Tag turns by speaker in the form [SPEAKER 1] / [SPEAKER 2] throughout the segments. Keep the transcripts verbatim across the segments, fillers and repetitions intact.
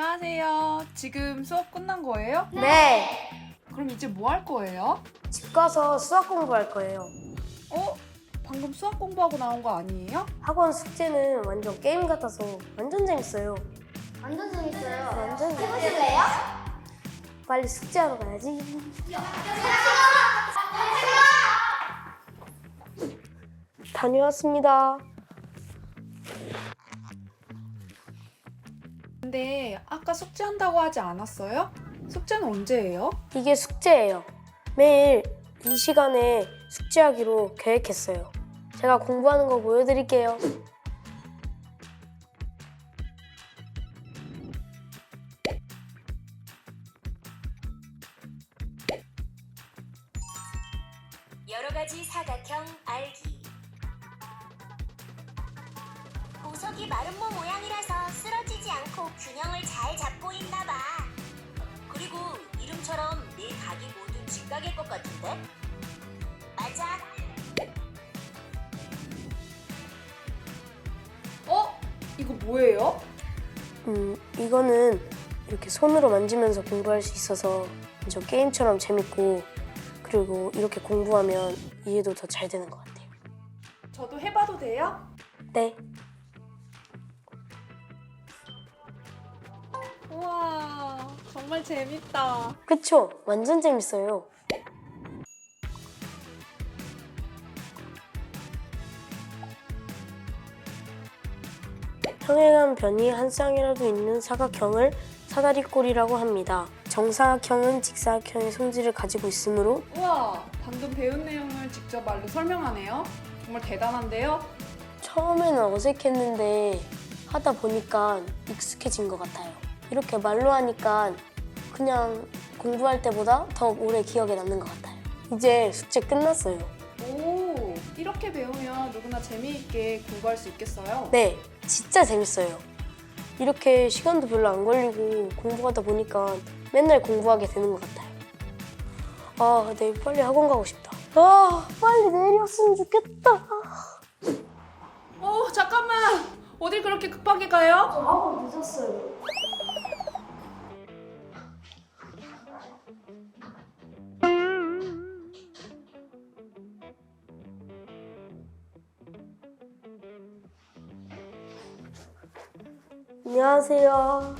[SPEAKER 1] 안녕하세요. 지금 수업 끝난 거예요?
[SPEAKER 2] 네.
[SPEAKER 1] 그럼 이제 뭐 할 거예요?
[SPEAKER 2] 집 가서 수학 공부할 거예요.
[SPEAKER 1] 어? 방금 수학 공부하고 나온 거 아니에요?
[SPEAKER 2] 학원 숙제는 완전 게임 같아서 완전 재밌어요.
[SPEAKER 3] 완전 재밌어요.
[SPEAKER 2] 완전
[SPEAKER 3] 해보실래요?
[SPEAKER 2] 빨리 숙제하러 가야지. 다녀왔습니다.
[SPEAKER 1] 근데 아까 숙제한다고 하지 않았어요? 숙제는 언제예요?
[SPEAKER 2] 이게 숙제예요. 매일 이 시간에 숙제하기로 계획했어요. 제가 공부하는 거 보여드릴게요.
[SPEAKER 4] 여러 가지 사각형 알기. 보석이 마름모 모양이라서 쓰러지지 않고 균형을 잘 잡고 있나 봐. 그리고 이름처럼 네 각이 모두 직각일 것 같은데? 맞아.
[SPEAKER 1] 어? 이거 뭐예요?
[SPEAKER 2] 음, 이거는 이렇게 손으로 만지면서 공부할 수 있어서 완전 게임처럼 재밌고, 그리고 이렇게 공부하면 이해도 더 잘 되는 것 같아요.
[SPEAKER 1] 저도 해봐도 돼요?
[SPEAKER 2] 네.
[SPEAKER 1] 우와, 정말 재밌다.
[SPEAKER 2] 그쵸? 완전 재밌어요. 평행한 변이 한 쌍이라도 있는 사각형을 사다리꼴이라고 합니다. 정사각형은 직사각형의 성질을 가지고 있으므로
[SPEAKER 1] 우와, 방금 배운 내용을 직접 말로 설명하네요. 정말 대단한데요?
[SPEAKER 2] 처음에는 어색했는데 하다 보니까 익숙해진 것 같아요. 이렇게 말로 하니까 그냥 공부할 때보다 더 오래 기억에 남는 것 같아요. 이제 숙제 끝났어요.
[SPEAKER 1] 오, 이렇게 배우면 누구나 재미있게 공부할 수 있겠어요?
[SPEAKER 2] 네, 진짜 재밌어요. 이렇게 시간도 별로 안 걸리고 공부하다 보니까 맨날 공부하게 되는 것 같아요. 아, 내일 빨리 학원 가고 싶다. 아, 빨리 내일이었으면 좋겠다.
[SPEAKER 1] 어, 잠깐만! 어딜 그렇게 급하게 가요?
[SPEAKER 2] 학원 늦었어요. 안녕하세요.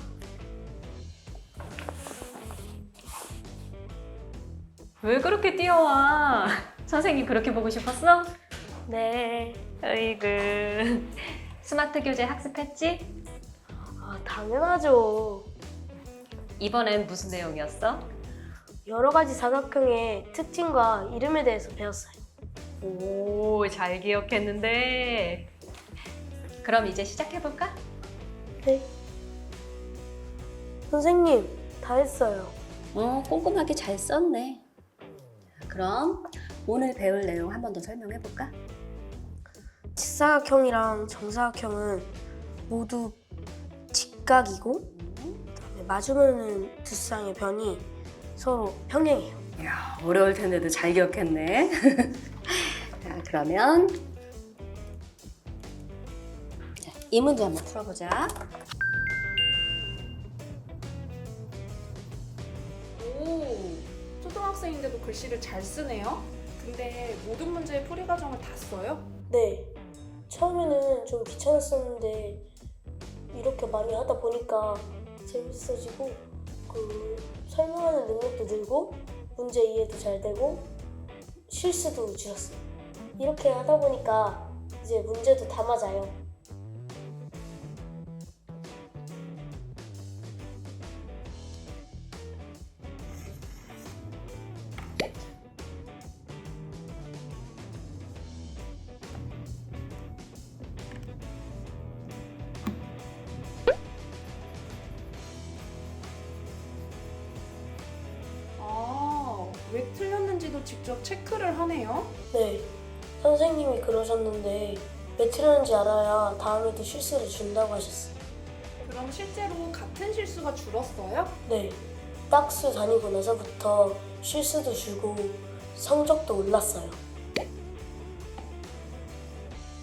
[SPEAKER 5] 왜 그렇게 뛰어와? 선생님 그렇게 보고 싶었어?
[SPEAKER 2] 네.
[SPEAKER 5] 어이구. 스마트 교재 학습했지?
[SPEAKER 2] 아, 당연하죠.
[SPEAKER 5] 이번엔 무슨 내용이었어?
[SPEAKER 2] 여러 가지 사각형의 특징과 이름에 대해서 배웠어요.
[SPEAKER 5] 오, 잘 기억했는데. 그럼 이제 시작해볼까?
[SPEAKER 2] 네. 선생님, 다 했어요.
[SPEAKER 6] 어, 꼼꼼하게 잘 썼네. 그럼 오늘 배울 내용 한 번 더 설명해볼까?
[SPEAKER 2] 직사각형이랑 정사각형은 모두 직각이고, 그다음에 마주보는 두 쌍의 변이 서로 평행해요.
[SPEAKER 6] 이야, 어려울 텐데도 잘 기억했네. 자, 그러면 자, 이 문제 한번 풀어보자.
[SPEAKER 1] 오, 초등학생인데도 글씨를 잘 쓰네요? 근데 모든 문제의 풀이 과정을 다 써요?
[SPEAKER 2] 네. 처음에는 좀 귀찮았었는데 이렇게 많이 하다 보니까 재밌어지고, 그 설명하는 능력도 늘고 문제 이해도 잘 되고 실수도 줄었어요. 이렇게 하다 보니까 이제 문제도 다 맞아요.
[SPEAKER 1] 아, 왜 틀렸는지도 직접 체크를 하네요?
[SPEAKER 2] 네. 선생님이 그러셨는데 왜 틀렸는지 알아야 다음에도 실수를 준다고 하셨어요.
[SPEAKER 1] 그럼 실제로 같은 실수가 줄었어요?
[SPEAKER 2] 네. 딱수 다니고 나서부터 실수도 줄고 성적도 올랐어요.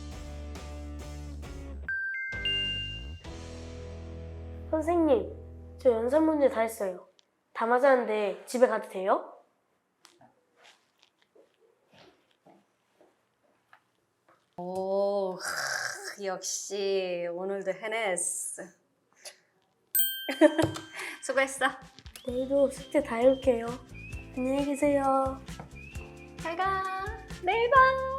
[SPEAKER 2] 선생님, 저 연산 문제 다 했어요. 다 맞았는데 집에 가도 돼요?
[SPEAKER 6] 오, 하, 역시 오늘도 해냈어. 수고했어.
[SPEAKER 2] 내일도 숙제 다 해올게요. 안녕히 계세요.
[SPEAKER 5] 잘 가. 내일 봐.